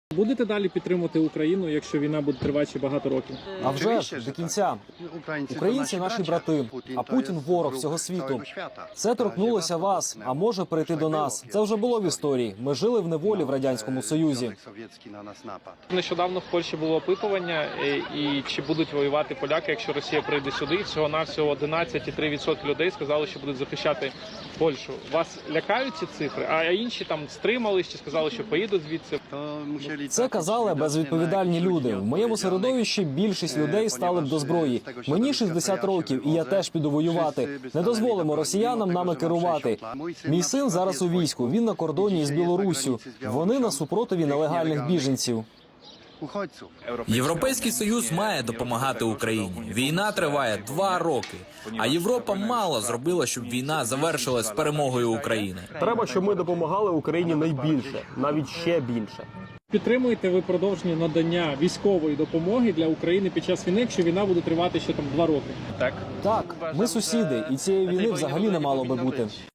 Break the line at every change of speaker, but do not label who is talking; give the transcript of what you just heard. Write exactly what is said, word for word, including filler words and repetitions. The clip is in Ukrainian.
Будете далі підтримувати Україну, якщо війна буде тривати ще багато років?
А вже ж, до кінця. Українці – наші брати, а Путін – ворог всього світу. Це торкнулося вас, а може прийти до нас. Це вже було в історії. Ми жили в неволі в Радянському Союзі.
Нещодавно в Польщі було опитування, і чи будуть воювати поляки, якщо Росія прийде сюди. Всього-навсього одинадцять цілих три десятих відсотка людей сказали, що будуть захищати Польщу. Вас лякають ці цифри? А інші там стримались чи сказали, що поїдуть звідси?
Це казали безвідповідальні люди. В моєму середовищі більшість людей стали б до зброї. Мені шістдесят років, і я теж піду воювати. Не дозволимо росіянам нами керувати. Мій син зараз у війську, він на кордоні із Білоруссю. Вони на супротиві нелегальних біженців.
Європейський Союз має допомагати Україні. Війна триває два роки, а Європа мало зробила, щоб війна завершилась перемогою України.
Треба, щоб ми допомагали Україні найбільше, навіть ще більше.
Підтримуєте ви продовження надання військової допомоги для України під час війни, якщо війна буде тривати ще там два роки? Так.
Так, ми сусіди, і цієї війни взагалі не мало би бути.